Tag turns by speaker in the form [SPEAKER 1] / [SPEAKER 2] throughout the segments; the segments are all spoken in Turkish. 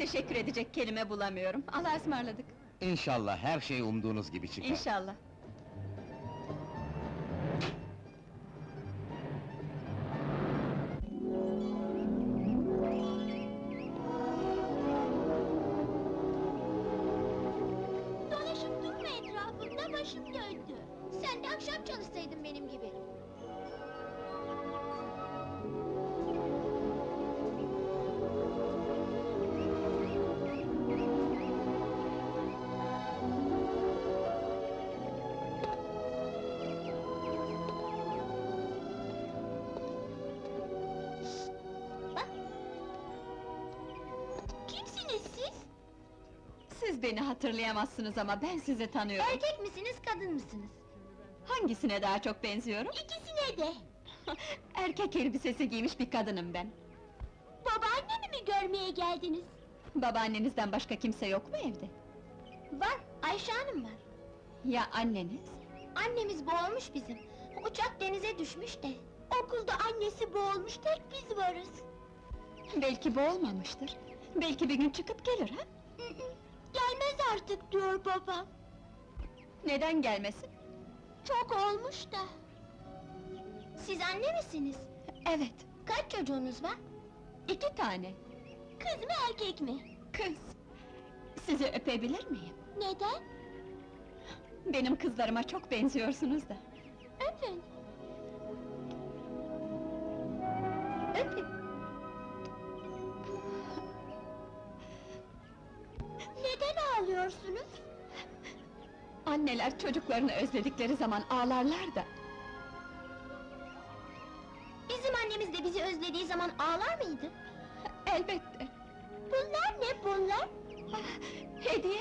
[SPEAKER 1] Teşekkür edecek kelime bulamıyorum. Allah'a ısmarladık.
[SPEAKER 2] İnşallah her şey umduğunuz gibi çıkar.
[SPEAKER 1] İnşallah.
[SPEAKER 3] Dolaşıp durma etrafımda, başım döndü. Sen de akşam çalışsaydın benim gibi. Bak! Kimsiniz siz?
[SPEAKER 1] Siz beni hatırlayamazsınız ama ben sizi tanıyorum.
[SPEAKER 3] Erkek misiniz, kadın mısınız?
[SPEAKER 1] Hangisine daha çok benziyorum?
[SPEAKER 3] İkisine de!
[SPEAKER 1] Erkek elbisesi giymiş bir kadınım ben.
[SPEAKER 3] Babaannemi mi görmeye geldiniz?
[SPEAKER 1] Babaannenizden başka kimse yok mu evde?
[SPEAKER 3] Var, Ayşe Hanım var.
[SPEAKER 1] Ya anneniz?
[SPEAKER 3] Annemiz boğulmuş bizim. Uçak denize düşmüş de. Okulda annesi boğulmuş, tek biz varız.
[SPEAKER 1] Belki boğulmamıştır. Belki bir gün çıkıp gelir ha?
[SPEAKER 3] Gelmez artık diyor babam.
[SPEAKER 1] Neden gelmesin?
[SPEAKER 3] Çok olmuş da. Siz anne misiniz?
[SPEAKER 1] Evet,
[SPEAKER 3] Kaç çocuğunuz var?
[SPEAKER 1] 2 tane.
[SPEAKER 3] Kız mı erkek mi?
[SPEAKER 1] Kız. Sizi öpebilir miyim?
[SPEAKER 3] Neden?
[SPEAKER 1] Benim kızlarıma çok benziyorsunuz da.
[SPEAKER 3] Öpün.
[SPEAKER 1] Öpün.
[SPEAKER 3] Neden ağlıyorsunuz?
[SPEAKER 1] Anneler çocuklarını özledikleri zaman ağlarlar da.
[SPEAKER 3] Bizim annemiz de bizi özlediği zaman ağlar mıydı?
[SPEAKER 1] Elbette.
[SPEAKER 3] Bunlar ne bunlar?
[SPEAKER 1] Hediye!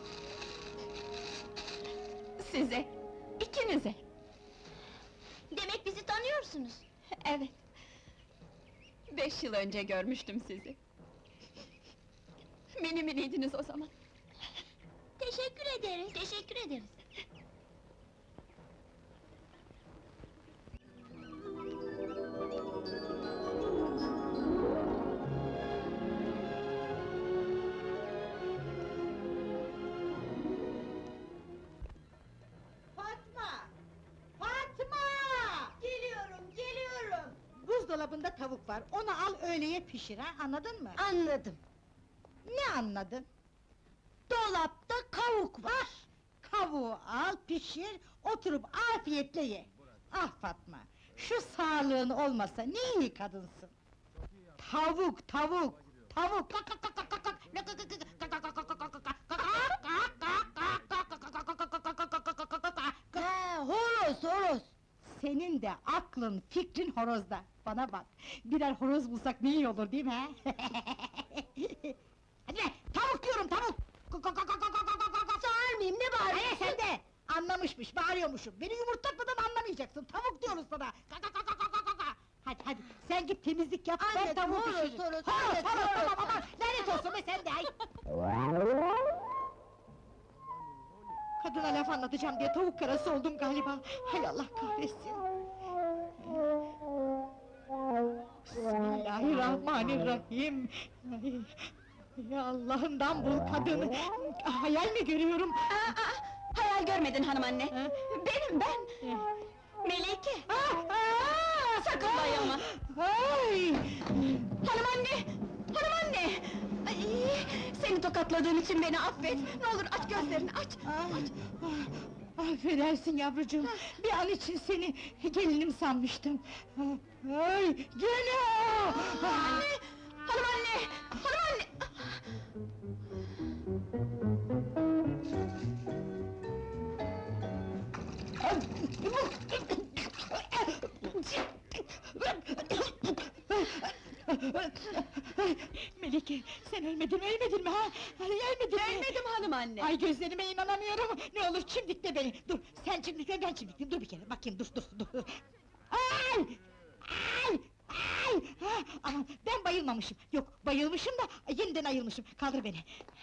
[SPEAKER 1] Size, ikinize!
[SPEAKER 3] Demek bizi tanıyorsunuz.
[SPEAKER 1] Evet. 5 yıl önce görmüştüm sizi. Mini miniydiniz o zaman.
[SPEAKER 3] Teşekkür ederiz, teşekkür ederiz.
[SPEAKER 4] Fatma! Fatma! Geliyorum! Buzdolabında tavuk var, onu al öğleye pişir ha, anladın mı?
[SPEAKER 3] Anladım.
[SPEAKER 4] Ne anladın?
[SPEAKER 3] Dolapta kavuk var.
[SPEAKER 4] Kavuğu al, pişir, oturup afiyetle ye! Ah Fatma, şu sağlığın olmasa ne iyi kadınsın! Tavuk, tavuk! Tavuk!
[SPEAKER 3] Ha, horoz!
[SPEAKER 4] Senin de aklın, fikrin horozda! Bana bak, birer horoz bulsak ne iyi olur değil mi ha? Hadi be, tavuk diyorum, tavuk!
[SPEAKER 3] Sağır mıyım, ne
[SPEAKER 4] Hayır
[SPEAKER 3] bağırıyorsun?
[SPEAKER 4] sen de! Anlamışmış, bağırıyormuşum! Beni yumurtlatmadan anlamayacaksın, tavuk diyoruz sana! Hadi, sen git temizlik yap, ben
[SPEAKER 3] Anladım,
[SPEAKER 4] tavuğu
[SPEAKER 3] horoz,
[SPEAKER 4] pişiririm!
[SPEAKER 3] horoz,
[SPEAKER 4] Horoz,
[SPEAKER 3] anladım,
[SPEAKER 4] tamam,
[SPEAKER 3] horoz.
[SPEAKER 4] aman! Lanet olsun be sen de, ay! Kadına laf anlatacağım diye tavuk karası oldum galiba! Hay Allah kahretsin! Bismillahirrahmanirrahim! Ay, ya Allah'ından bul kadını! Hayal mi görüyorum?
[SPEAKER 1] Hayal görmedin hanımanne!
[SPEAKER 4] Ha?
[SPEAKER 1] Benim, ben! Melike! Sakın bayılma!
[SPEAKER 4] Ay!
[SPEAKER 1] Hanımanne! Hanımanne! Ay, seni tokatladığım için beni affet! Ne olur aç gözlerini, aç!
[SPEAKER 4] Affedersin yavrucuğum, bir an için seni gelinim sanmıştım. Ay, gene!
[SPEAKER 1] Anne! Hanımanne! Hanımanne!
[SPEAKER 4] Melike, sen ölmedin mi ha? Ölmedin mi?
[SPEAKER 1] Ölmedim hanımanne!
[SPEAKER 4] Ay gözlerime inanamıyorum! Ne olur çimdikle beni! Dur, sen çimdikle, ben çimdikleyeyim, dur bir kere, bakayım, dur! Ay! Aman, ben bayılmamışım! Yok, bayılmışım da, yeniden ayılmışım, kaldır beni!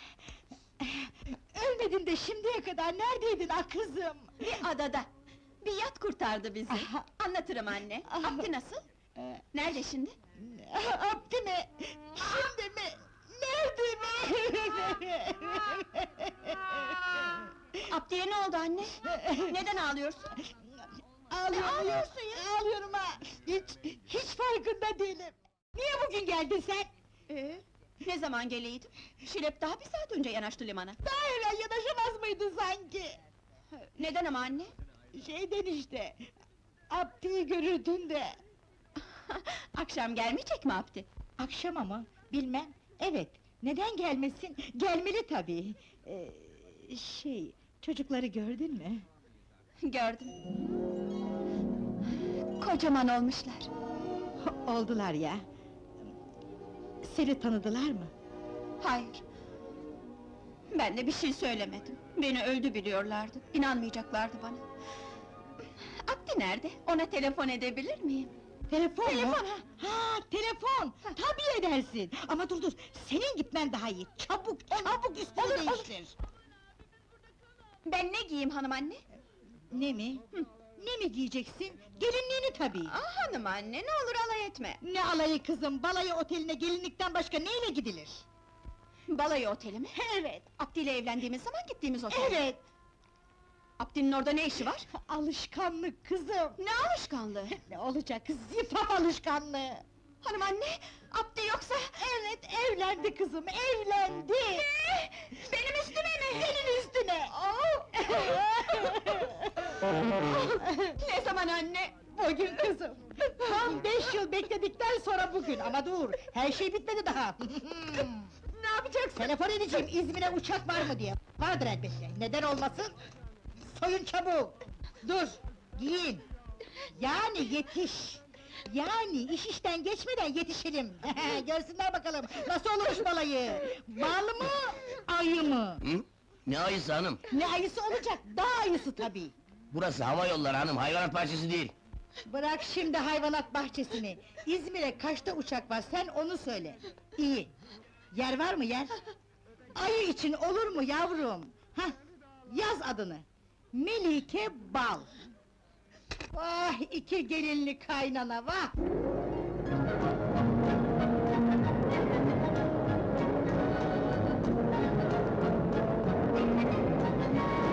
[SPEAKER 4] Ölmedin de şimdiye kadar neredeydin ah kızım?
[SPEAKER 1] Bir adada! Bir yat kurtardı bizi! Anlatırım anne! Abdi nasıl? Nerede şimdi?
[SPEAKER 4] Abdi mi? Şimdi mi?
[SPEAKER 1] Abdiye ne oldu anne? Neden ağlıyorsun?
[SPEAKER 4] Ağlıyorum ya! Ağlıyorum ha! Hiç farkında değilim! Niye bugün geldin sen?
[SPEAKER 1] Ne zaman geleydim? Şilep daha bir saat önce yanaştı limana.
[SPEAKER 4] Daha evvel yanaşamaz mıydın sanki?
[SPEAKER 1] Neden ama anne?
[SPEAKER 4] Şeyden işte... Abdi'yi görürdün de...
[SPEAKER 1] Akşam gelmeyecek mi Abdi?
[SPEAKER 4] Akşam ama, bilmem, evet, neden gelmesin? Gelmeli tabii! Çocukları gördün mü?
[SPEAKER 1] Gördüm. Kocaman olmuşlar.
[SPEAKER 4] Oldular ya! Seni tanıdılar mı?
[SPEAKER 1] Hayır. Ben de bir şey söylemedim. Beni öldü biliyorlardı. İnanmayacaklardı bana. Abdi nerede? Ona telefon edebilir miyim?
[SPEAKER 4] Telefon mu?
[SPEAKER 1] Telefon,
[SPEAKER 4] Ha, telefon! Tabii edersin! Ama dur, senin gitmen daha iyi! Çabuk üstünü
[SPEAKER 1] olur.
[SPEAKER 4] değiştir!
[SPEAKER 1] Ben ne giyeyim hanım anne?
[SPEAKER 4] Ne mi? Ne mi giyeceksin? Gelinliğini tabii!
[SPEAKER 1] Hanım anne, ne olur alay etme.
[SPEAKER 4] Ne alayı kızım, balayı oteline gelinlikten başka neyle gidilir?
[SPEAKER 1] Balayı oteli mi?
[SPEAKER 4] Evet!
[SPEAKER 1] Abdi ile evlendiğimiz zaman gittiğimiz otel.
[SPEAKER 4] Evet!
[SPEAKER 1] Abdi'nin orada ne işi var?
[SPEAKER 4] Alışkanlık kızım!
[SPEAKER 1] Ne alışkanlığı?
[SPEAKER 4] Ne olacak, zifaf alışkanlığı!
[SPEAKER 1] Hanım anne, Abdi yoksa...
[SPEAKER 4] Evet, evlendi kızım, evlendi!
[SPEAKER 1] Benim üstüme mi?
[SPEAKER 4] Senin üstüne!
[SPEAKER 1] Ne zaman anne?
[SPEAKER 4] Bugün kızım! Tam 5 yıl bekledikten sonra bugün, ama dur, her şey bitmedi daha!
[SPEAKER 1] Ne yapacaksın?
[SPEAKER 4] Telefon edeceğim, İzmir'e uçak var mı diye! Vardır elbette, neden olmasın? Soyun çabuk! Dur, giyin! Yani yetiş! Yani iş işten geçmeden yetişelim! Görsünler bakalım, nasıl olmuş balayı! Bal mı, ayı mı?
[SPEAKER 2] Hı? Ne ayısı hanım?
[SPEAKER 4] Ne ayısı olacak, dağ ayısı tabii!
[SPEAKER 2] Burası hava yolları hanım, hayvanat bahçesi değil.
[SPEAKER 4] Bırak şimdi hayvanat bahçesini! İzmir'e kaçta uçak var, sen onu söyle! İyi! Yer var mı yer? Ayı için olur mu yavrum? Hah, yaz adını! Melike Bal! Vah, iki gelinli kaynana, vah!